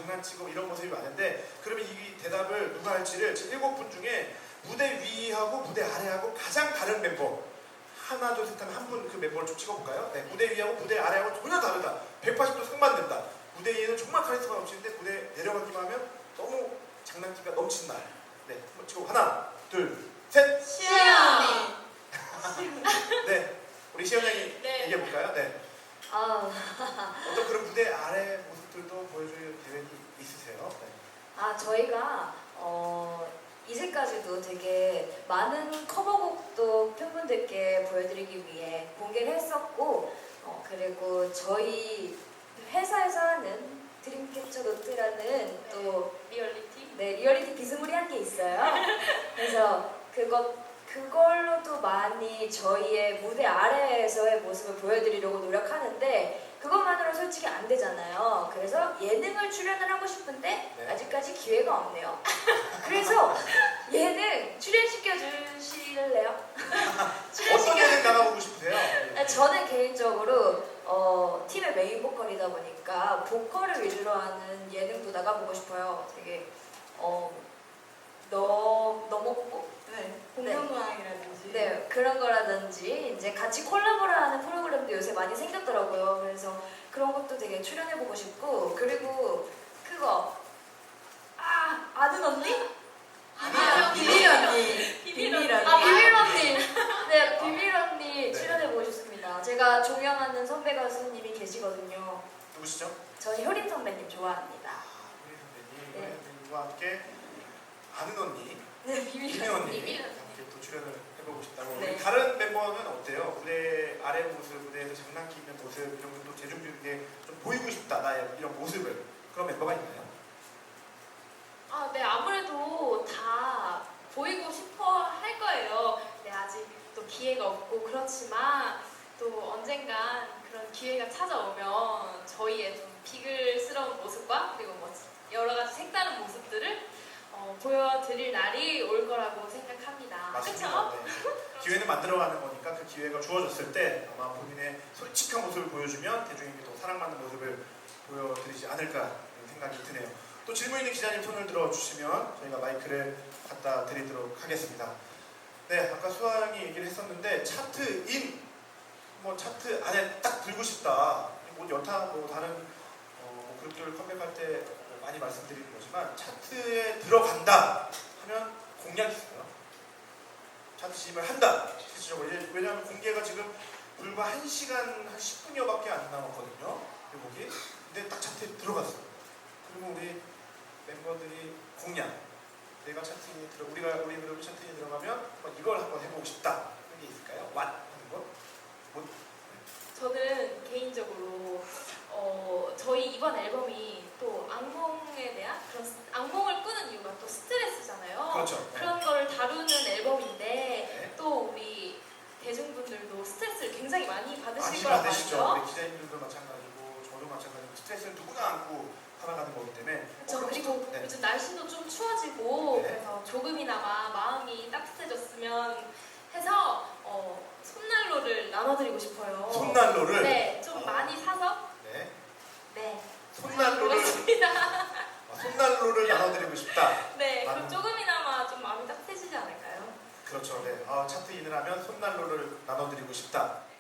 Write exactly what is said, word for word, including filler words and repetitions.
장난치고 이런 모습이 많은데, 그러면 이 대답을 누가 할지를 지금 일곱 분 중에 무대 위하고 무대 아래하고 가장 다른 멤버, 하나 둘 셋 하면 한 분 그 멤버를 좀 찍어볼까요? 네, 무대 위하고 무대 아래하고 전혀 다르다. 백팔십 도 상반된다. 무대 위에는 정말 카리스마 넘치는데 무대 내려가기만 하면 너무 장난기가 넘치는 날. 네, 한번 찍고 하나 둘 셋. 시연. 네, 우리 시연 양이 네. 얘기해 볼까요? 네. 아, 어떤 그런 무대 아래 모습들도 보여줄 계획이 있으세요? 네. 아 저희가 어, 이제까지도 되게 많은 커버곡도 팬분들께 보여드리기 위해 공개를 했었고, 어, 그리고 저희 회사에서 하는 드림캐쳐 노트라는 또 리얼리티. 네, 리얼리티 비스무리한 게 있어요. 그래서 그것 그걸로도 많이 저희의 무대 아래에서의 모습을 보여드리려고 노력하는데, 그것만으로 솔직히 안 되잖아요. 그래서 예능을 출연을 하고 싶은데 네. 아직까지 기회가 없네요. 그래서 예능 출연시켜 주실래요? 어떤 예능 나가보고 싶으세요? 네. 저는 개인적으로 어, 팀의 메인 보컬이다 보니까 보컬을 위주로 하는 예능도 나가보고 싶어요. 되게 어, 너 너먹고 네. 공연모양이라든지. 네, 그런 거라든지 이제 같이 콜라보를 하는 프로그램도 요새 많이 생겼더라고요. 그래서 그런 것도 되게 출연해보고 싶고, 그리고 그거 아 아는 언니? 아, 비밀 언니. 비밀 언니. 아 비밀 언니. 네, 비밀 언니 네. 출연해보고 싶습니다. 제가 존경하는 선배 가수님이 계시거든요. 누구시죠? 저는 효린 선배님 좋아합니다. 아, 우리 선배님, 네. 우리 선배님과 함께 아는 언니, 네, 비밀 김혜 언니 비밀 함께 또 출연을 해보고 싶다고. 네. 우리 다른 멤버는 어때요? 무대 아래 모습, 무대에서 장난기 있는 모습, 이런 것도 대중들에게 좀 보이고 싶다, 나의 이런 모습을. 그런 멤버가 있나요? 아, 네, 아무래도 다 보이고 싶어 할 거예요. 네, 아직 또 기회가 없고 그렇지만 또 언젠간 그런 기회가 찾아오면 저희의 좀 비글스러운 모습과 그리고 뭐 여러 가지 색다른 모습들을 어, 보여드릴 날이 올 거라고 생각합니다. 맞습니다. 그렇죠? 네. 기회는 만들어가는 거니까 그 기회가 주어졌을 때 아마 본인의 솔직한 모습을 보여주면 대중에게 더 사랑받는 모습을 보여드리지 않을까 이런 생각이 드네요. 또 질문 있는 기자님 손을 들어주시면 저희가 마이크를 갖다 드리도록 하겠습니다. 네, 아까 수아양이 얘기를 했었는데 차트인, 뭐 차트 안에 딱 들고 싶다. 뭐 여타 뭐 다른 어, 뭐 그룹들 컴백할 때 많이 말씀드리는 거지만 차트에 들어간다 하면 공약이 있어요. 차트 진입을 한다. 실질적으로. 왜냐하면 공개가 지금 불과 한 시간 한 십 분여밖에 안 남았거든요. 곡이. 근데 딱 차트에 들어갔어요. 그리고 우리 멤버들이 공약. 내가 차트에 들어 우리가 우리 그룹이 차트에 들어가면 한번 이걸 한번 해보고 싶다. 그런 게 있을까요? 왓 하는 거? 뭐? 저는 개인적으로 어, 저희 이번 앨범이 또 악몽에 대한 그런 스- 악몽을 꾸는 이유가 또 스트레스잖아요. 그렇죠. 네. 그런 걸 다루는 앨범인데 네. 또 우리 대중분들도 스트레스를 굉장히 많이 받으실 많이 거란 받으시죠. 말이죠. 우리 기자님들도 마찬가지고 저도 마찬가지고 스트레스를 누구나 안고 살아가는 거기 때문에. 그렇죠. 어, 그리고 네. 요즘 날씨도 좀 추워지고 네. 그래서 조금이나마 마음이 따뜻해졌으면 해서 어, 손난로를 나눠드리고 싶어요. 손난로를. 네, 좀 어. 많이 사서 네. 네. 손난로를. 그렇습니다. 아, 손난로를 나눠드리고 싶다. 네, 많은- 그럼 조금이나마 좀 마음이 따뜻해지지 않을까요? 그렇죠. 네. 아, 차트 인을 하면 손난로를 나눠드리고 싶다.